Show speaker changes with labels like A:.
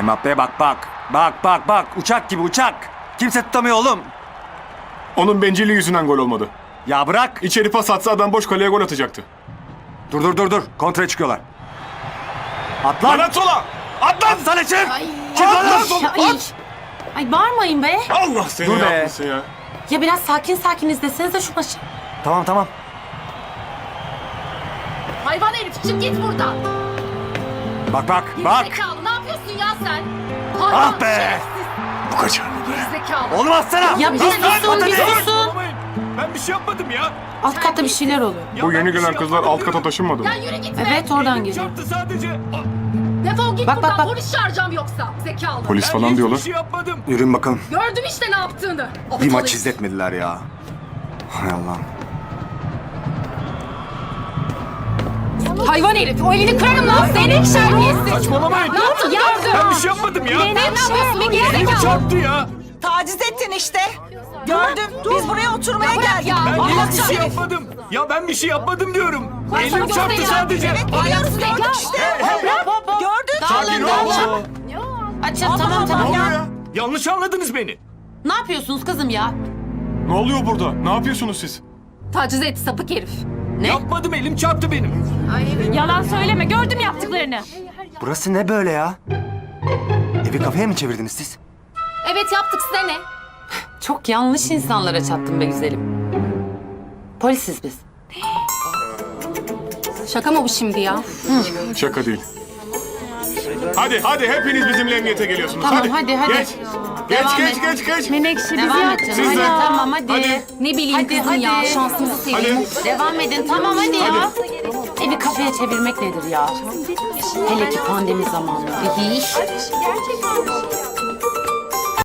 A: Mbappe'ye bak bak. Bak bak bak. Uçak gibi uçak. Kimse tutamıyor oğlum.
B: Onun bencilliği yüzünden gol olmadı.
A: Ya bırak.
B: İçeri pas atsa adam boş kaleye gol atacaktı.
A: Dur. Kontraya çıkıyorlar. At lan.
B: Lan at sola! At lan!
A: Atsana çık.
C: Ay,
A: Çık
B: At lan
A: lan.
B: sola!
C: ay.
B: At!
C: Ay bağırmayın be.
B: Allah seni
A: Dur be.
B: yapmasın ya.
C: Ya biraz sakin izlesenize şu maçı.
A: Tamam.
D: Hayvan herif çık git buradan.
A: Bak.
D: Gerizekalı ne yapıyorsun ya sen? Hayvan,
A: Ah be.
D: şerefsiz,
B: Bu kaçar mı be?
D: Gerizekalı.
A: Oğlum atsana.
C: Ya bir susun.
B: Ben bir şey yapmadım ya.
C: Alt katta bir şeyler oluyor.
B: Bu yeni gelen kızlar alt kata taşınmadı mı?
D: Ya yürü git be.
C: Evet oradan geliyor.
B: Çarptı sadece.
D: Defol git
C: Bak,
D: buradan
C: bak.
D: polis çağıracağım yoksa. Zekalı.
B: Polis falan diyorlar.
A: Yürüyün bakalım.
D: Gördüm işte ne yaptığını.
A: Bir
D: Aptal
A: maç
D: herif.
A: izletmediler ya. Hay Allah'ım.
C: Hayvan herif o elini kırarım lan senin şerbiyesi.
B: Saçmalamayın.
C: Ne yaptın ya?
B: Ben bir şey yapmadım ya.
C: Ne yapıyorsun be
B: Elim
C: gerizekalı?
B: çarptı ya.
E: Taciz ettin işte. Gördüm. Biz buraya oturmaya geldik.
C: ya.
B: Ben
C: Allah
B: hiçbir şey yapmadım. Ya ben bir şey yapmadım diyorum. Elim çarptı sadece.
E: Evet biliyoruz gördük işte. Gördük.
C: Dağılın. Açın tamam.
B: ya? Yanlış anladınız beni.
C: Ne yapıyorsunuz kızım ya?
B: Ne oluyor burada? Ne yapıyorsunuz siz?
D: Taciz etti sapık herif.
B: Yapmadım, elim çarptı benim.
F: Yalan söyleme, gördüm yaptıklarını.
A: Burası ne böyle ya? Evi kafeye mi çevirdiniz siz?
D: Evet yaptık size ne?
C: Çok yanlış insanlara çattım be güzelim. Polisiz biz.
D: Şaka mı bu şimdi ya?
B: Şaka değil. Hadi hepiniz bizimle emniyete geliyorsunuz.
C: Tamam, hadi.
B: Geç.
C: Devam
B: Geç.
F: Menekşe bizi
C: Devam et
F: yaktı.
C: canım.
B: Siz
C: Hadi
B: de.
C: tamam hadi.
B: Hadi.
D: Ne bileyim
C: Hadi,
D: kızım ya
C: hadi.
D: şansımızı seveyim.
B: Hadi.
C: Devam edin tamam hadi ya. Evi kafeye çevirmek nedir ya? Hele ki pandemi zamanları.
D: İyi.